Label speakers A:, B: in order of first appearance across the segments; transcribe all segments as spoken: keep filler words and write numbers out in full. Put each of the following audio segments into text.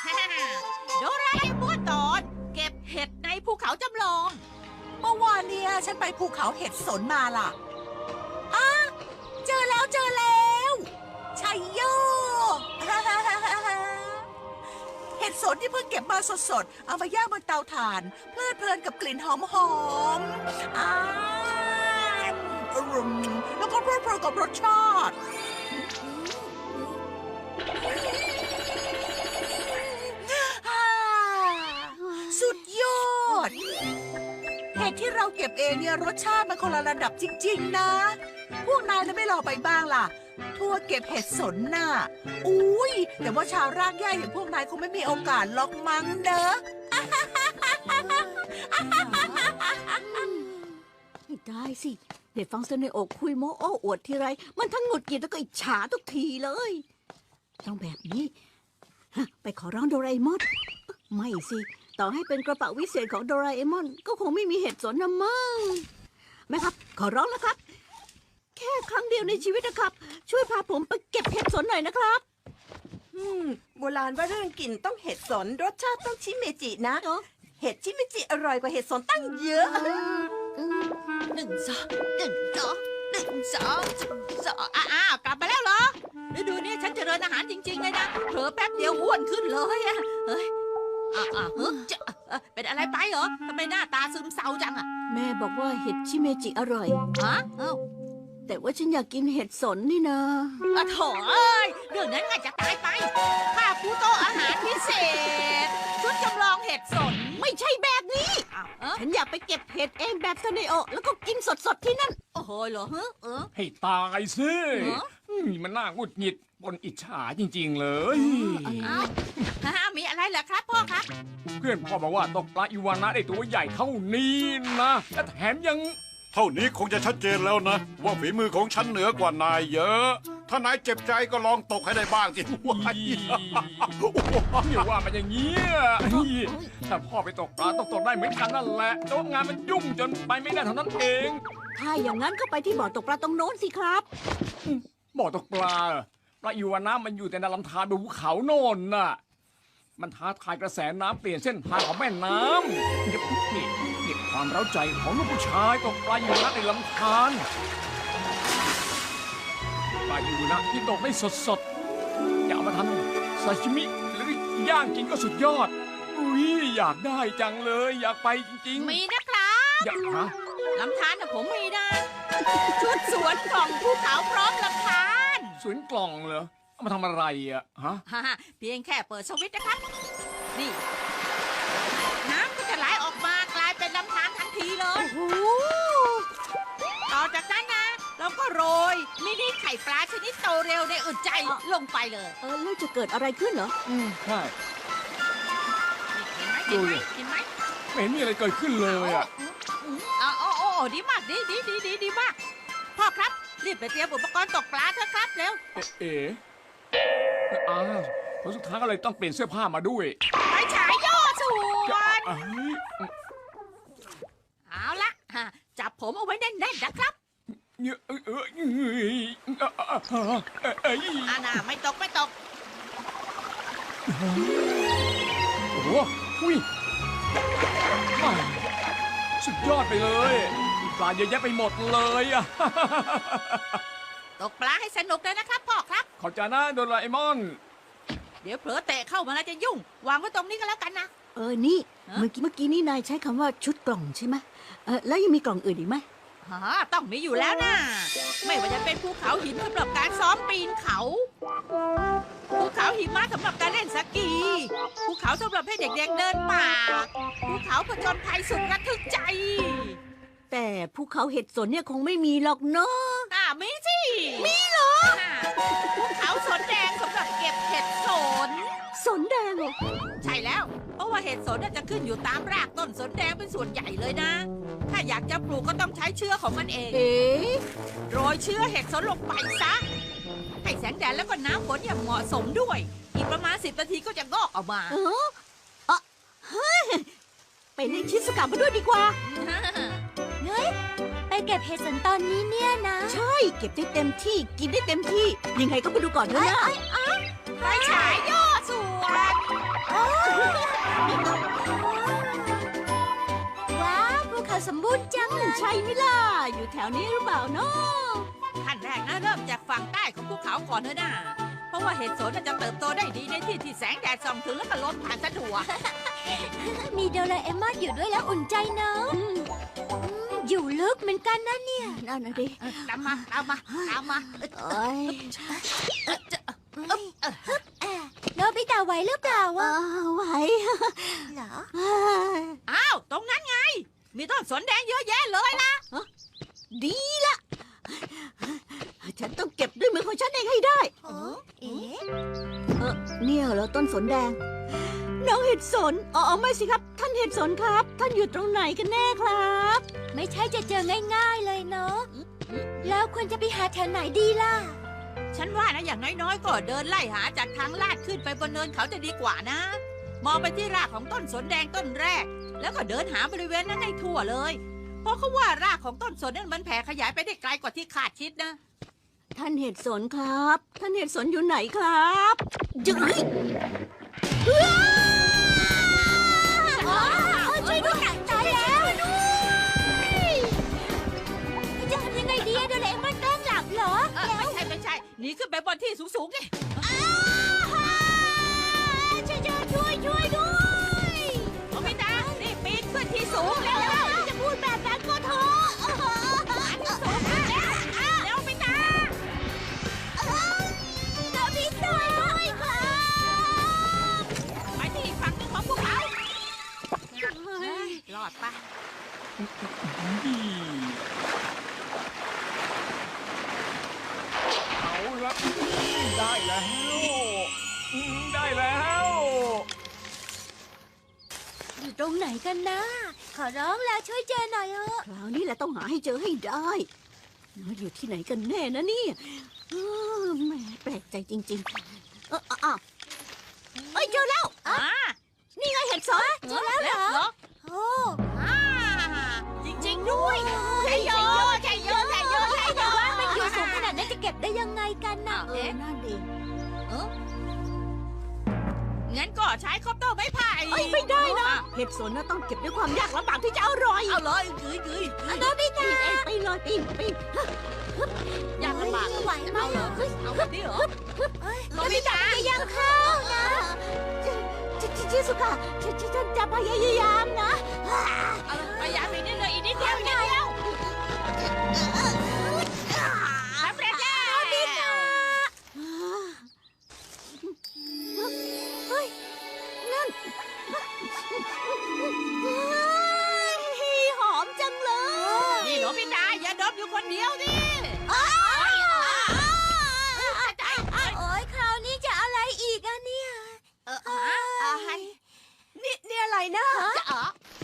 A: โดราเอมอนตอนเก็บเห็ดในภูเขาจำลอง
B: เมื่อวานเนี่ยฉันไปภูเขาเห็ดสนมาล่ะอ้าเจอแล้วเจอแล้วชัยโย เห็ดสนที่เพิ่งเก็บมาสดๆ เอามาย่างบนเตาถ่าน เพลิดเพลินกับกลิ่นหอมๆอ้ามอร่อยแล้วก็เพลิดเพลินกับรสชาติอ่าสุดยอด เห็ดที่เราเก็บเองเนี่ยรสชาติมันคนละระดับจริงๆนะ พวกนายจะไม่ลองไปบ้างล่ะ ทัวร์เก็บเห็ดสนน่ะ อุ้ยแต่ว่าชาวรากหญ้าอย่างพวกนายคงไม่มีโอกาสล็อกมั้งเด้อ
C: ไม่ได้สิเด็กฟังเสนออกคุยโม้โอ้อวดทีไร มันทั้งหงุดหงิดแล้วก็อิจฉาทุกทีเลย ต้องแบบนี้ฮะไปขอร้องโดราเอมอน ไม่สิ ต่อให้เป็นกระเป๋าวิเศษของโดราเอมอน ก็คงไม่มีเห็ดสนนะมั้งแม่ครับ ขอร้องแล้วครับ แค่ครั้งเดียวในชีวิตนะครับ ช่วยพาผมไปเก็บเห็ดสนหน่อยนะครับ
D: อืมโบราณว่าเรื่องกลิ่นต้องเห็ดสนรสชาติต้องชิเมจินะ
C: เนอะ
D: เห็ดชิเมจิอร่อยกว่าเห็ดสนตั้งเยอะ
A: หนึ่งสองหนึ่งสองหนึ่งสองสองอ้าวกลับมาแล้วเหรอฤดูนี้ฉันเจริญอาหารจริงๆเลยนะเผลอแป๊บเดียวอ้วนขึ้นเลยอะเฮ้ยอ่าอ่าเฮ้ยจะเอ่อเป็นอะไรไปเหรอทำไมหน้าตาซึมเศร้าจังอะ
C: แม่บอกว่าเห็ดชิเมจิอร่อย
A: ฮะเอ้า
C: แต่ว่าฉันอยากกินเห็ดสนนี่นะ
A: อะโถเอ้ยเรื่องนั้นง่ายจะตายไปข้าผู้โตะอาหารพิเศษ ชุดจำลองเห็ดสน
C: ไม่ใช่แบบนี้
A: อ้าวเอ้า
C: ฉันอยากไปเก็บเห็ดเองแบบซาเนโอะแล้วก็กินสดๆที่นั่น
A: โอ้โหเหรอเฮ้อเออ
E: ให้ตายสิ
A: เหรอ
E: นี่มันน่าหงุดหงิดบนอิจฉาจริง ๆ เลย
A: อ้าวฮ่ามีอะไรเหรอครับพ่อครับ
E: เพื่อนพ่อบอกว่าตกปลาอีวานะได้ตัวใหญ่เท่านี้นะและแถมยัง
F: เท่านี้คงจะชัดเจนแล้วนะ ว่าฝีมือของฉันเหนือกว่านายเยอะ ถ้านายเจ็บใจก็ลองตกให้ได้บ้างสิว้าย
E: อย่าว่ามันอย่างนี้ยถ้าพ่อไปตกปลาต้องตกได้เหมือนกันนั่นแหละแต่ว่างานมันยุ่งจนไปไม่ได้เท่านั้นเอง
C: ถ้าอย่างนั้นก็ไปที่บ่อตกปลาตรงโน้นสิครับ
E: บ่อตกปลาปลาอีวานะมันอยู่แต่ในลำธารบนภูเขาโน่นน่ะมันท้าทายกระแสน้ำเปลี่ยนเส้นทางของแม่น้ำเก็บนี่เก็บความเร้าใจของลูกผู้ชายตกปลาอีวานะในลำธารปลาอีวานะที่ตกได้สดๆจะเอามาทำซาชิมิหรือย่างกินก็สุดยอดอุ้ยอยากได้จังเลยอยากไปจริงๆ
A: มีนะครับ
E: อยากหา
A: ลำธารนะผมมีนะ ชุดสวนกล่องภูเขาพร้อมลำธาร
E: สวนกล่องเหรอเอามาทำอะไรอ่ะฮะ
A: ฮ่าฮ่าเพียงแค่เปิดสวิตช์นะครับ นี่ น้ำก็จะไหลออกมากลายเป็นลำธารทันทีเลย
C: โอ้โห
A: ต่อจากนั้นนะ เราก็โรยมินิไข่ปลาชนิดโตเร็วในอึดใจลงไปเลย
C: เออแล้วจะเกิดอะไรขึ้นเหรอ
E: อืมใช่
A: นี่เห็นไหมเห็นไหมเห็นไหม
E: ไม่เห็นมีอะไรเกิดขึ้นเลยอ่ะ
A: อ๋อโอ้โอ้โอ้ดีมากดีดีดีดีดีมาก พ่อครับ รีบไปเตรียมอุปกรณ์ตกปลาเถอะครับเร็ว
E: เอ๋เอ๋อ้าวผลสุดท้ายก็เลยต้องเปลี่ยนเสื้อผ้ามาด้วย
A: ไปฉายย่อส่วน
E: เอ้ย
A: เอาละฮะจับผมเอาไว้แน่นๆนะครับ
E: เนี่ยเออเออเอ้ยเอ้ย
A: อาน่าไม่ตกไม่ตก
E: โอ้โหอุ้ยอ้าวสุดยอดไปเลยปลาเยอะแยะไปหมดเลยอ่ะ
A: ตกปลาให้สนุกเลยนะครับพ่อครับ
E: ขอบใจนะโดราเอมอน
A: เดี๋ยวเผลอเตะเข้ามาแล้วจะยุ่ง วางไว้ตรงนี้ก็แล้วกันนะ
C: เออ นี่
A: ฮะ
C: เมื่อกี้เมื่อกี้นี่นายใช้คำว่าชุดกล่องใช่ไหมเออแล้วยังมีกล่องอื่นอีกไหม
A: ฮะต้องมีอยู่แล้วนะ ไม่ว่าจะเป็นภูเขาหินสำหรับการซ้อมปีนเขา ภูเขาหิมะสำหรับการเล่นสกี ภูเขาสำหรับให้เด็กๆเดินป่า ภูเขาผจญภัยสุดระทึกใจ
C: แต่ภูเขาเห็ดสนเนี่ยคงไม่มีหรอกเนาะ
A: อ่ามีสิ มีเหรอ ภูเขาสนแดงสำหรับเก็บเห็ดสน
C: สนแดงเหรอ
A: ใช่แล้ว เพราะว่าเห็ดสนน่ะจะขึ้นอยู่ตามรากต้นสนแดงเป็นส่วนใหญ่เลยนะ ถ้าอยากจะปลูกก็ต้องใช้เชื้อของมันเอง
C: เอ๊ะ
A: โรยเชื้อเห็ดสนลงไปซะ ให้แสงแดดแล้วก็น้ำฝนอย่างเหมาะสมด้วย อีกประมาณสิบนาทีก็จะงอกออกมา
C: เออเออเฮ้ยไปเล่นชิสกามาด้วยดีกว่า
G: เฮ้ย ไปเก็บเห็ดสนตอนนี้เนี่ยนะ
C: ใช่ เก็บได้เต็มที่ กินได้เต็มที่ ยังไงก็ไปดูก่อนเถอะนะ
A: ไปฉายย่อส่วน
G: โอ้สมบูรณ์จังเลย
C: ใช่ไหมล่ะ อยู่แถวนี้หรือเปล่าเนาะ
A: ขั้นแรกนะเริ่มจากฝั่งใต้ของภูเขาก่อนเถอะนะเพราะว่าเห็ดสนน่ะจะเติบโตได้ดีในที่ที่แสงแดดส่องถึงแล้วก็ลมผ่านสะดวก
G: มีโดราเอมอนอยู่ด้วยแล้วอุ่นใจเนอะอืมอยู่ลึกเหมือนกันนะเนี่ย
C: นั่นนะดิ
A: ตามมาตามมาตามมา
C: เอ้ย
G: โนบิตะไหวหรือเปล่าวะ
C: อ้าวไหว
G: เหรอ
C: เอ้ย
A: อ้าวตรงนั้นไง มีต้นสนแดงเยอะแยะเลยนะ
C: ดีละ ฉันต้องเก็บด้วยมือของฉันเองให้ได้
G: เอ๊ะ
C: เออเนี่ยเหรอต้นสนแดง น้องเห็ดสนอ๋อไม่สิครับ ท่านเห็ดสนครับ ท่านอยู่ตรงไหนกันแน่ครับ
G: ไม่ใช่จะเจอง่ายๆเลยเนาะแล้วควรจะไปหาแถวไหนดีล่ะ
A: ฉันว่านะอย่างน้อยๆก็เดินไล่หาจากทางลาดขึ้นไปบนเนินเขาจะดีกว่านะ มองไปที่รากของต้นสนแดงต้นแรก แล้วก็เดินหาบริเวณนั้นให้ทั่วเลย เพราะเขาว่ารากของต้นสนนั้นมันแผ่ขยายไปได้ไกลกว่าที่คาดคิดนะ
C: ท่านเห็ดสนครับ ท่านเห็ดสนอยู่ไหนครับจึ๊ย
G: ช่วยด้วยตายแล้วจะทำยังไงดีอะโดราเอมอนแกล้งหลับเหรอ
A: เออไม่ใช่ไม่ใช่หนีขึ้นไปบนที่สูงๆไง
G: ช่วยช่วยช่วยด้วย
A: โนบิตะรีบปีนขึ้นที่สูงแล้ว
G: จะพูดแบบนั้นก็เถอะ
A: ที่สูงแล้วแล้วบิตะ
G: โนบิตะด้วยค่ะ
A: ไปที่อีกฝั่งหนึงของภูเขารอดปะ
E: เอาละได้แล้วอืมได้แล้ว
G: อยู่ตรงไหนกันนะ ขอร้องแล้วช่วยเจอหน่อยเถอะ
C: คราวนี้แหละต้องหาให้เจอให้ได้น้อยอยู่ที่ไหนกันแน่นะเนี่ยเออแหมแปลกใจจริงๆ เอออ้าวเอ้ยเจอแล้ว
A: อ่า
C: นี่ไงเห็ดสน
G: เจอแล้วเหรอ
A: เหรอ
G: โอ้
A: อ่าจริงๆด้วยใช่โยใช่โยใช่โยใช่โย
G: แต่ว่ามันอยู่สูงขนาดนั้นจะเก็บได้ยังไงกันน่ะ
C: เออนั่นดี
A: เอองั้นก็ใช้คอปเตอร์ไม้ไผ่
C: เอ้ยไม่ได้นะ เห็ดสนน่ะต้องเก็บด้วยความยากลำบากที่จะอร่อย
A: เอาเลยกึยกึย
C: โนบิตะปีนเองปีนเลยปีนปีน
A: อยากลำบาก
G: ไหวไหม
A: เอาเหรอเอาแบบนี้เหรอโนบิตะ
G: พยายามเข้านะ
C: ชิชิชิสุกะฉันฉันจะพยายามนะ
A: เอาเลยพยายามอีกนิดเลยอีกนิดเดียวอีกนิดเดียวสำเร็จแล้ว
C: เฮ้ยนั่นเฮ้ยหอมจังเลย
A: นี่โนบิตะอย่าดมอยู่คนเดียวดิ
G: โอ้ยคราวนี้จะอะไรอีกอะเนี่ย
A: เอออะไร
D: นี่นี่อะไรนะ
A: จะอ๋อ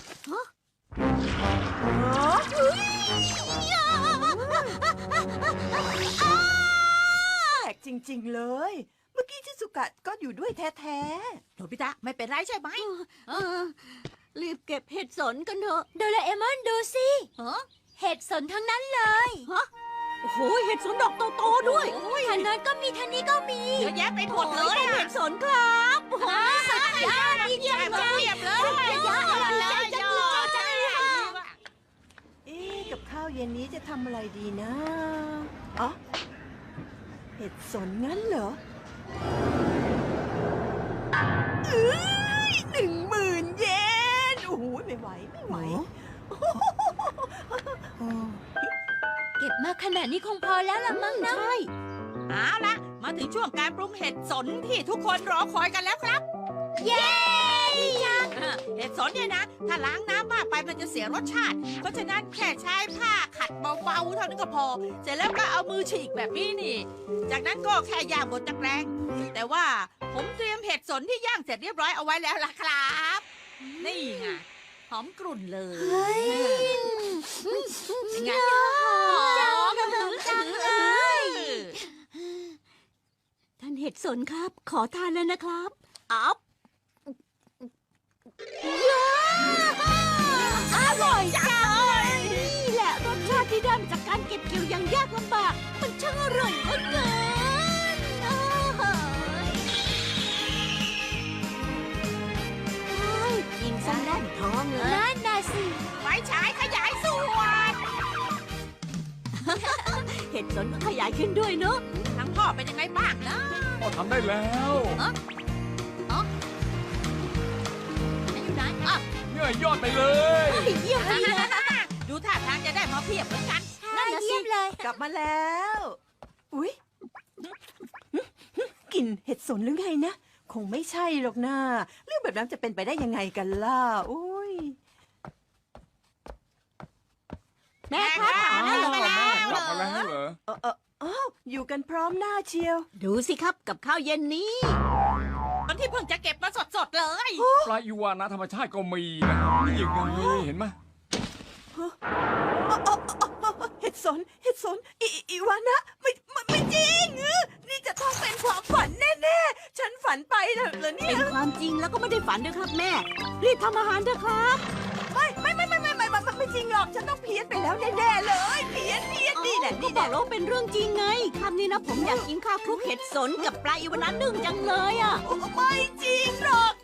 D: แปลกจริง ๆ เลย เมื่อกี้ชิสุกะก็อยู่ด้วยแท้
A: โนบิตะไม่เป็นไรใช่ไหม
C: เออรีบเก็บเห็ดสนกันเถอะ
G: โดราเอมอนดูสิ
A: เออ
G: เห็ดสนทั้งนั้นเลย
C: โอ้โหเห็ดสนดอกโตๆด้วย
G: ทางนั้นก็มีทางนี้ก็มี
A: เยอะแยะไปหมดเลย
C: เห็
A: อ่ะ
C: ดสนครับโอ้โห
A: ยอดดีเยี่ยมเลยเยี่ยมเลยยอดเลยยอดจังเลย
D: ๆ เอ๊ะกับข้าวเย็นนี้จะทำอะไรดีนะอ๋อเห็ดสนงั้นเหรอเอ้ยหนึ่งหมื่นเยนโอ้โหไม่ไหวไม่ไหว
G: เก็บมาขนาดนี้คงพอแล้วละมั้งนะ
C: ใช่
A: เอาละมาถึงช่วงการปรุงเห็ดสนที่ทุกคนรอคอยกันแล้วครับ
G: เย้จัง
A: เออเห็ดสนเนี่ยนะ ถ้าล้างน้ำมากไปมันจะเสียรสชาติ เพราะฉะนั้นแค่ใช้ผ้าขัดเบาๆเท่านั้นก็พอ เสร็จแล้วก็เอามือฉีกแบบนี้นี่ จากนั้นก็แค่ย่างบนตะแกรงแต่ว่าผมเตรียมเห็ดสนที่ย่างเสร็จเรียบร้อยเอาไว้แล้วล่ะครับ นี่ไงหอมกรุ่นเลยเป็นไงหอมจังเลย
C: ท่านเห็ดสนครับ ขอทานแล้วนะครับอัพอร่อยจังเลยนี่แหละรสชาติที่ได้มาจากการเก็บเกี่ยวอย่างยากลำบาก มันช่างอร่อยเหลือเกินโอ้โหเฮ้ยกินซะแน่นท้องเลย
G: นั่นน่ะสิ
A: ไฟฉายขยาย
C: ดสนก็ขยายขึ้นด้วยเนาะ
A: ทั้งพ่อเป็นยังไงบ้างนะ
E: พ่อทำได้แล้ว
A: ไหนอยู่ไหนอ่ะ
E: เหนื่อยยอดไปเลย
C: เฮ้ยเยี่ยมไปเลย
A: ดูท่าทางจะได้มาเพียบเหมือนกัน
G: นั่นนะสิเลย
D: กลับมาแล้ว อุ๊ยกลิ่นเห็ดสนหรือไงนะ คงไม่ใช่หรอกนะเรื่องแบบนั้นจะเป็นไปได้ยังไงกันล่ะ อุ้ย
C: แม่ครับ
A: แม่ครับ
C: อ้าว
A: ไปแล้ว
E: กลับมาแล้วเหรอ
D: เออเอออ้าวอยู่กันพร้อมหน้าเชียว
C: ดูสิครับกับข้าวเย็นนี้
A: ตอนที่เพิ่งจะเก็บมาสดๆเลย
E: ปลาอีวานะธรรมชาติก็มีนะนี่ยังไงเห็นไหม
D: เห็ดสน เห็ดสนอีอีอีวานะไม่ไม่ไม่จริงเออนี่จะต้องเป็นความฝันแน่ๆ ฉันฝันไปเหรอเหรอเนี่
C: เป็
D: ย
C: นความจริงแล้วก็ไม่ได้ฝันด้วยครับแม่ รีบทำอาหารเถอะครับ
D: ไม่ไม่ไม่ไม่ไม่ไม่ไม่ไม่จริงหรอก ฉันต้องเพี้ยนไปแล้วแน่ๆเลย เพี้ยนเพี้ยนนี่แหละ
C: ก็
D: นี่
C: บ
D: แห
C: อ
D: ละ
C: กแล้วว่าเป็นเรื่องจริงไงคำนี้นะผมอยากกินข้าวคลุกเห็ดสนกับปลาอีวานะนึ่งจังเลยอ่ะ
D: โอ้ไม่จริงหรอก